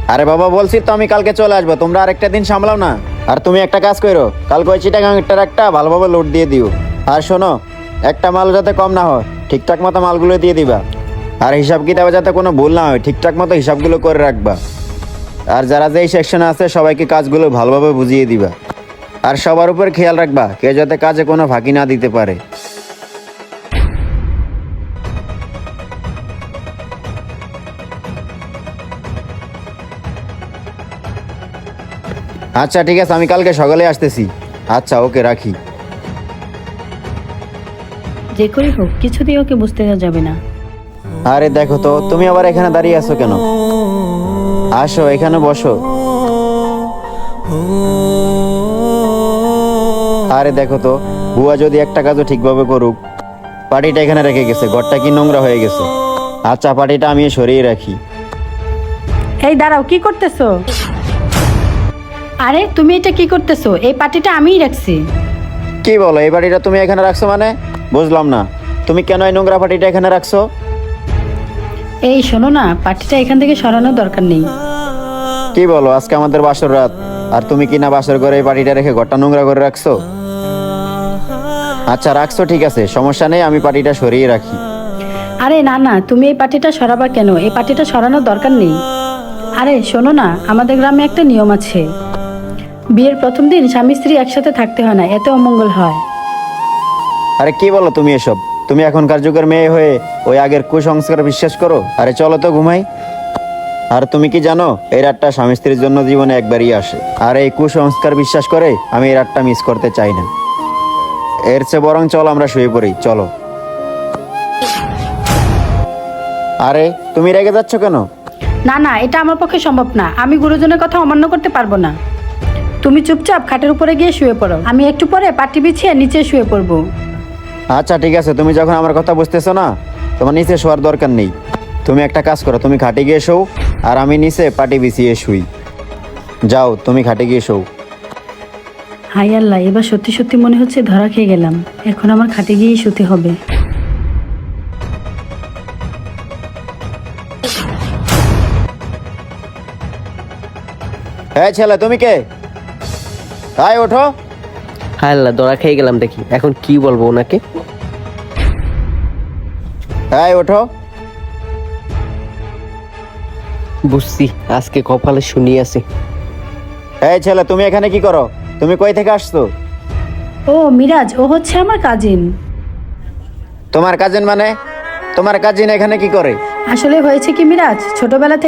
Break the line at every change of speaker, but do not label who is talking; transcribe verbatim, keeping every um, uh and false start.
আরে বাবা, বলছি তো আমি কালকে চলে আসবো, তোমরা আরেকটা দিন সামলাও না। আর তুমি একটা কাজ করো, কালকে ওই চিটাগাংটার একটা ভালোভাবে লোড দিয়ে দিও। আর শোনো, একটা মাল যাতে কম না হয়, ঠিকঠাক মতো মালগুলো দিয়ে দিবা। আর হিসাব কিতাবে যাতে কোনো ভুল না হয়, ঠিকঠাক মতো হিসাবগুলো করে রাখবা। আর যারা যেই সেকশনে আছে সবাইকে কাজগুলো ভালোভাবে বুঝিয়ে দিবা। আর সবার উপর খেয়াল রাখবা, কেউ যাতে কাজে কোনো ফাঁকি না দিতে পারে। আচ্ছা ঠিক আছে, আমি কালকে সকালে আসতেছি। আচ্ছা ওকে, রাখি।
যে করেই হোক কিছুতেই ওকে বুঝতে দেওয়া যাবে না।
আরে দেখো তো, তুমি আবার এখানে দাঁড়িয়ে আছো কেন? আসো এখানে বসো। আরে দেখো তো, বুয়া যদি একটা কাজও ঠিকভাবে করুক, পাটিটা এখানে রেখে গেছে, ঘরটা কি নোংরা হয়ে গেছে। আচ্ছা, পাটিটা আমি সরিয়ে রাখি।
এই দাঁড়াও, কি করতেছো? আরে তুমি এটা কি করতেছো? এই পাটিটা আমিই রাখছি।
কি বলো, এই পাটিটা তুমি এখানে রাখছো মানে? বুঝলাম না, তুমি কেন এই নোংরা পাটিটা এখানে রাখছো?
এই শোনো না, পাটিটা এখান থেকে সরানোর দরকার নেই।
কি বলো, আজকে আমাদের বাসর রাত, আর তুমি কি না বাসর ঘরে এই পাটিটা রেখে ঘরটা নোংরা করে রাখছো? আচ্ছা রাখছো, ঠিক আছে, সমস্যা নেই, আমি পাটিটা সরিয়ে রাখি।
আরে না না, তুমি এই পাটিটা সরাবা কেন? এই পাটিটা সরানোর দরকার নেই। আরে শোনো না, আমাদের গ্রামে একটা নিয়ম আছে, বিয়ের প্রথম দিন স্বামী স্ত্রী একসাথে থাকতে হয় না, এতে অমঙ্গল হয়।
আরে কি বলো তুমি এসব? তুমি এখনকার যুগের মেয়ে হয়ে ওই আগের কুসংস্কার বিশ্বাস করো? আরে চলো তো ঘুমাই। আর তুমি কি জানো, এই রাতটা স্বামী স্ত্রীর জন্য জীবনে একবারই আসে। আর এই কুসংস্কার বিশ্বাস করে আমি এই রাতটা মিস করতে চাই না। এর চেয়ে বরং চলো আমরা শুয়ে পড়ি, চলো। আরে তুমি রেগে যাচ্ছ কেন?
না না, এটা আমার পক্ষে সম্ভব না, আমি গুরুজনের কথা অমান্য করতে পারবো না। তুমি চুপচাপ খাটের উপরে গিয়ে শুয়ে পড়ো, আমি একটু পরে পাটি বিছিয়ে নিচে শুয়ে পড়বো।
আচ্ছা ঠিক আছে, তুমি যখন আমার কথা বুঝতেছো না, তোমার নিচে শোয়ার দরকার নেই। তুমি একটা কাজ করো, তুমি খাটে গিয়ে শোও, আর আমি নিচে পাটি বিছিয়ে শুই। যাও, তুমি খাটে গিয়ে শোও।
হাই আল্লাহ, এবার সত্যি সত্যি মনে হচ্ছে ধরা খেয়ে গেলাম। এখন আমার খাটে গিয়েই শুতে হবে।
হ্যাঁ ছেলে, তুমি কে? হাই ওঠো।
হায় আল্লাহ, ধরা খেয়ে গেলাম দেখি, এখন কি বলবো ওনাকে?
হ্যাঁ ওঠো।
বুঝছি, আজকে কপালে শুনি আছে।
এই ছেলে, তুমি এখানে কি করো? তুমি কই থেকে আসছো?
ও মিরাজ, ও হচ্ছে আমার কাজিন।
তোমার কাজিন মানে? তোমার কাজিন এখানে কি করে?
আসলে হয়েছে কি মিরাজ, ছোটবেলা থেকে